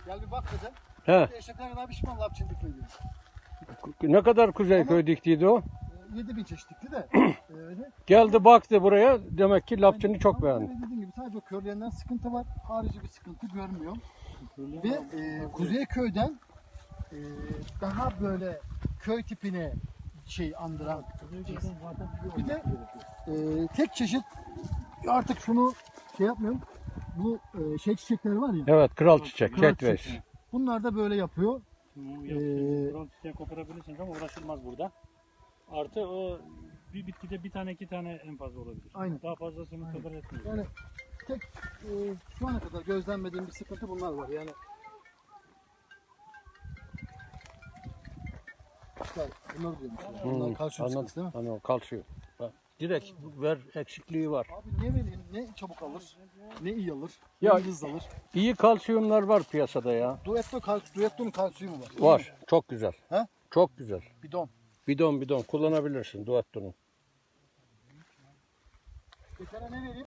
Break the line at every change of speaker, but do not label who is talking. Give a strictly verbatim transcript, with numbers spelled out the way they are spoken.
Gel bir bak kızım.
He.
Eşekler kadar pişman lapçın dikmedi.
Ne kadar Kuzeyköy diktiydi o?
yedi bin çeşit dikti de. Öyle.
Geldi baktı buraya. Demek ki lapçını çok
Ama
beğendi.
Dediğim gibi sadece o körlerinden sıkıntı var. Harici bir sıkıntı görmüyorum. Ve e, Kuzeyköy'den e, daha böyle köy tipine şey andıran. Bir de e, tek çeşit artık şunu şey yapmıyorum. Bu e, şey çiçekleri var ya.
Evet, kral çiçek,
Kral
ketveş.
çiçekleri. Bunlar da böyle yapıyor.
Bunu
Ee,
Kral çiçeği koparabilirsiniz ama uğraşılmaz burada. Artı o bir bitkide bir tane iki tane en fazla olabilir.
Aynen.
Daha fazlasını kabul etmiyor.
Yani tek e, şu ana kadar gözlemlediğim bir sıkıntı bunlar var. Yani işte bunlar diyorum işte. Bunlar
Hmm,
kalsiyum
anladım.
sıkıntısı değil mi?
Anladım, kalsiyum. Bak, direkt ver eksikliği var.
Abi ne vereyim, ne çabuk alır, ne iyi alır,
Ya-
ne hızlı alır.
İyi kalsiyumlar var piyasada ya.
Duetto, kal, Duetto'nun kalsiyumu var.
Var. Çok güzel.
He?
Çok güzel.
Bidon.
Bidon bidon kullanabilirsin Duetto'nun.
Bir tane ne vereyim?